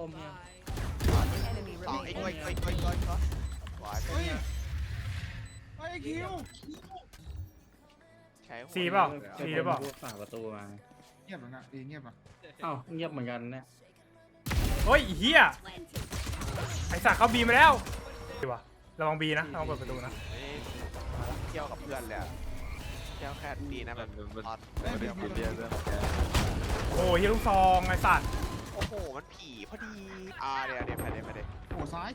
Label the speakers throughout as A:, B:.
A: มเนี่ย
B: สองไอ้ก้อยหวาน
C: เฮ้ยไอ้คิว
B: ใช้
D: ซีเปล่าซีหรือเปล่า
A: ฝาประตูมา
C: เงียบแล้วนะเงียบอ่ะ
A: เอ้าเงียบเหมือนกันเนี่ย
D: เฮ้ยเฮียไอสัตว์เขาบีมาแล้วดีวะระวังบีนะระวังเปิดประตูนะ
B: เที่ยวกับเพื่อนเลยเที่ยวแค่ดีนะแบบตอน
E: ไม่ได้กินเบียร์ด้วย
D: โอ้ยเฮียลูกซองไอสัตว์
B: โอ้โหมันผีพอดีเดี๋ยวไปเลย
C: โอ้ซ้าย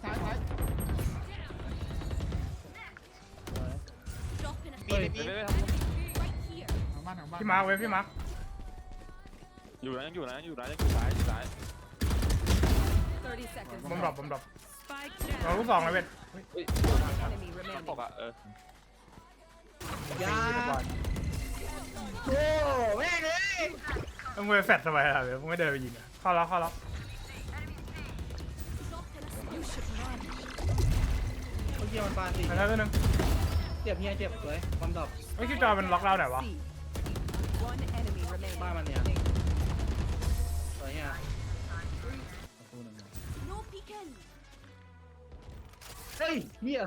B: มีเลยมี
C: ทางบ้าน
D: พี่มาร์คเว้ยพี่มาร์ค
E: อยู่นะยังอยู่ซ้าย
D: บอมดรอปเราลูกซองเลยเว้ย
E: มันตกอ่ะ
A: ยาโอ้แม่งเลย
D: มึงไปแฟดทำไมล่ะเว้ยมึงไม่เดินไปยิงอ่ะเข้าแล้ว
A: เขาเยี่ยมันปาสิ
D: ไปแล้วตัวนึง
A: เจ็บเฮียเจ็บเลยความดอก
D: ไอ้คิวจอมันล็อกเราไหนวะ
A: บ้านมันเนี่ยสวยเฮียประตูหนึ่งเฮ้ยเฮีย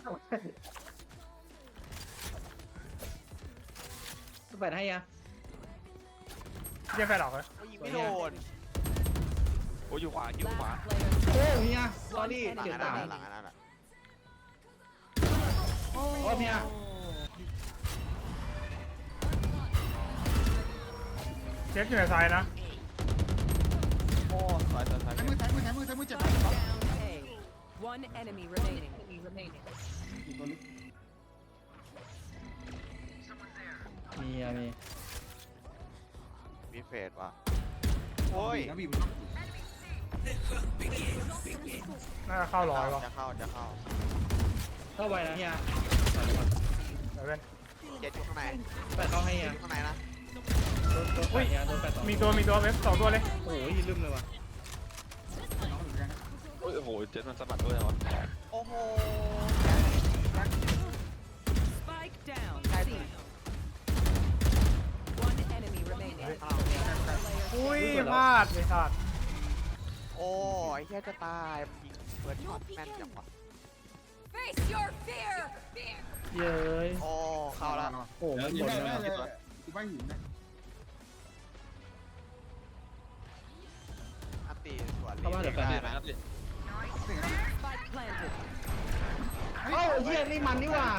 A: สเปดให้ยะ
D: เฮียแฟดออกเลย
B: ยิงไม่โดน
E: โอ้อยู่ขวา
A: โอ้เฮียสอรี่
B: หลัง
A: เจ็บ
B: นั้
A: ตาน
B: หลังนั้น
A: โอ้เฮีย
D: เช็คอยู่ในซ้ายนะ
B: โอ้สวย
C: ซ้ายมือเจ็บ
F: One enemy remaining.
A: มี
B: มีเฟสว่ะโอ้ย
C: แล้วบีบ
D: น่าจะเข้าร้อยวะ
B: จะเข้า
A: เข้าไปนะเฮีย
D: เดี๋ยวเว้น
B: เจ็ดอยู่ข้างใน
A: แปดเข้าให้เฮีย
B: ข้างในนะ
A: โดนแปดเฮียโดนแปดต่อ
D: มีตัวเว็บสองตัวเลย
A: โอ้ยลืมเลยว่ะ
E: โอ้โหเจ็ดมันสะบัดด้วยวะ
B: โอ้โห
F: Spike down.
B: ใช่
F: C. One enemy remaining.
D: อุ้ยพลาดไอ้สัตว์
B: โอ้ไอ้แค่จะตายยิงเปิดช็อตแม่นจังวะ
F: Face your fear.
A: เย้ย
B: โอ้เข้าแล้ว
A: โอ้มันหมดเลย
C: กูไม่หินนะ
B: อันตีสวน
A: เข้ามาเดี๋ยวแฟน
B: ได้
A: ดิ
B: นะ
F: Spike planted.
A: เอ้าเฮียนี่มันนี่ว่า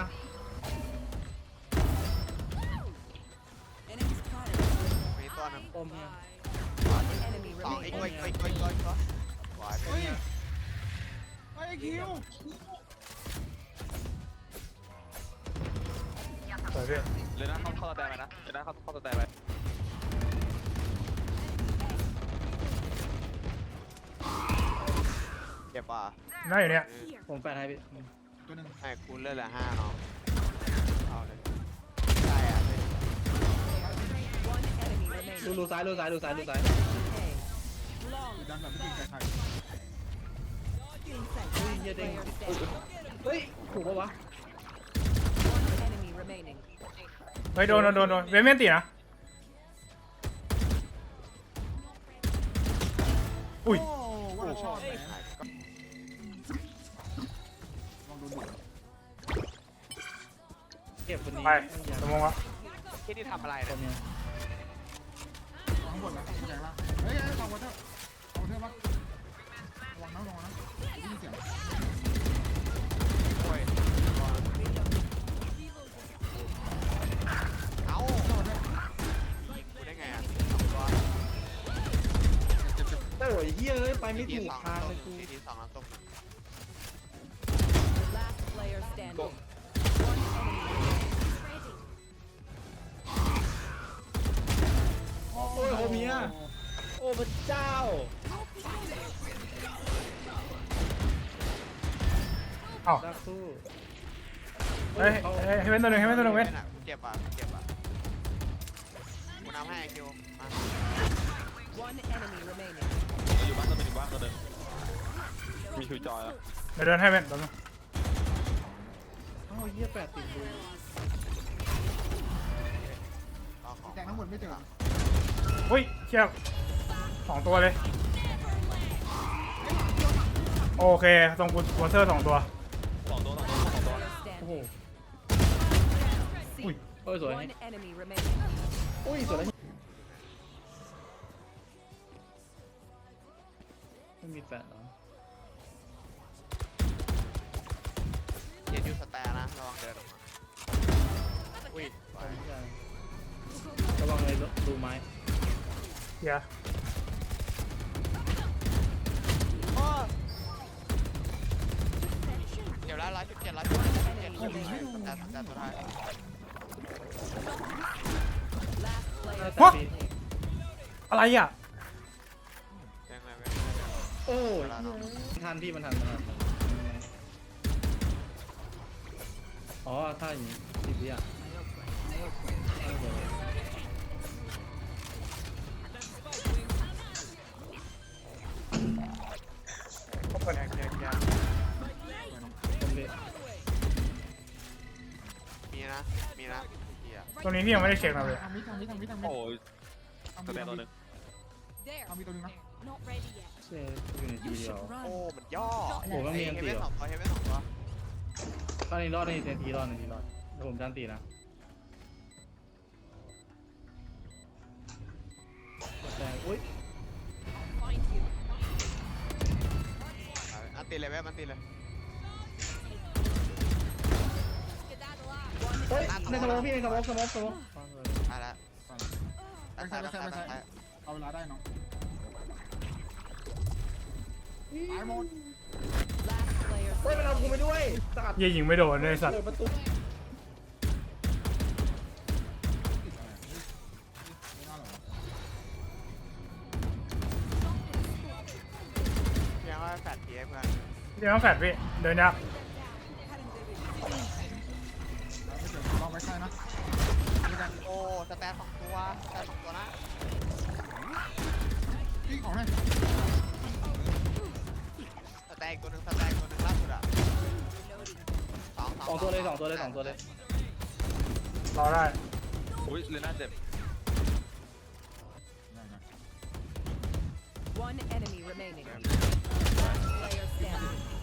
F: Enemy spotted.
B: มีตัวนึง
A: อมเฮีย
F: One enemy
B: สองไอ้
F: remaining.
B: ก้อยหวาน
C: เฮ้ยไอ้คิว
D: สวยพี่
E: เลยนะเข้าตะแตไปนะเลยนะเข้าตะแตไป
B: เจ็บป่ะ
D: น่าอยู่เนี่ย
A: ผมแปดให้พี่
C: ตัวหนึ่ง
B: ให้คุณเลือดละ5น้องเอาเลยใช่อ่ะ
F: One enemy remaining.
A: ดูซ้าย
F: A.
C: ดันแบบไม่จริงใจใคร
A: เฮ้ยเฮียเด้ง เฮ้ยถูกปะวะ
F: One enemy remaining.
D: เฮ้ยโดนเวเมนตีนะอุ้ย
C: โอ้ว่าเราชอบแหมลองดูดิ
A: เก็บคนนี้
D: ไปสมองวะ
B: ที่นี่ทำอะไร
A: ค
B: เนี่ย
A: นเนี้ย
C: ข้างบนนะใหญ่ละเฮ้ยเอาวอเตอร์ปะระวังนะได้ยินเสียง
B: โอ้ยเอ้ากูได้ไงอ่ะ
A: โอ้ยเฮียเอ้ยไปไม่
B: ที
A: ถูก
B: สอง
A: ทางเลยกู
B: ทีสองน้ำส้ม
F: Last player standing.
A: โอ้ยโฮเมียโอ้พระเจ้า
D: เอ้า
A: ดักสู้
D: เฮ้ยเว้นตัวหนึ่งเว้น
B: เจ็บอ่ะกูน้ำให้คิวมา
F: One enemy remaining.
E: อยู่บ้านตัวนึงตัวนึงมีคิวจอยแล้ว
D: เดี๋ยวเดินให้เว้นตัวนึง
A: เอ้าเฮียแปดติดดู
B: รอของ
C: แต่ทั้งหมดไม่เจอ
D: อุ้ยเชี่ยสองตัวเลย
C: เ
D: โอเคตรงกูวอเตอร์2 ตัว
E: สองตัว
F: Player
A: โอ้โห
F: standing.
A: เอ้ยสวย
F: One enemy remaining.
A: อุ้ยสวยแล้วไม่มีแฟนเหรอ
B: เย็นอยู่สแตนนะระวังเดินออกมาอุ้ย
A: ไม่ใช่ระวังเลยดูไม้
D: เฮีย
B: โอ้เดี๋ยวละ117 117สแตนสุดท้าย
F: Last player
A: ฮะ
D: อะไรอ่ะ
B: ยังไง
A: โอ้ยทันพี่มันทันอ๋อถ้าอย่างนี้สิบวิอ่ะ
B: แยก
A: ผมเลย
B: มีนะเฮีย
D: ตรงนี้พี่ยังไม่ได้เช็คนะเลย
C: ทำมิด
E: โอ้ยสแตนตัวหนึ่ง
C: ทำมิดตัวนึงนะ
F: Not ready yet.
A: เซ่อยู่ในทีเดียว
B: โอ้มันย่อ
A: โอ้มันมีอันตี
B: เฮ
A: เหรอ
B: เว่น2 ตัว
A: ข้านี้รอดในทีรอดเดี๋ยวผมจันตีนะแต่อุ้ย
F: Find you.
B: อันตีเลยมันตีเลย
A: เฮ้ยในสมองพี่ในสมอง
B: อ่ะละ
C: ไม่ใช่เอาเวลาได้น้องตายหมด
F: Last player
A: เฮ้ยมันเอากูไปด้วยสัตว์
D: เหี้ยยิงไม่โดนเลยสัตว์
A: เปิดประตู
B: ยังว่าแฟดทีให้เพื่อน
D: เดี๋ยวต้องแฟดพี่เดินยาก
C: ไม่เจอลองไว้ใช่นะ
B: โอ้สแตน2 ตัวนะ
C: พี่ของให้
B: สแตนอีกตัวหนึ่งล่าสุดอ่ะ
A: สองตัวเลย
D: รอได้
E: อุ้ยเลน่าเจ็บ
F: One enemy remaining. Player standing.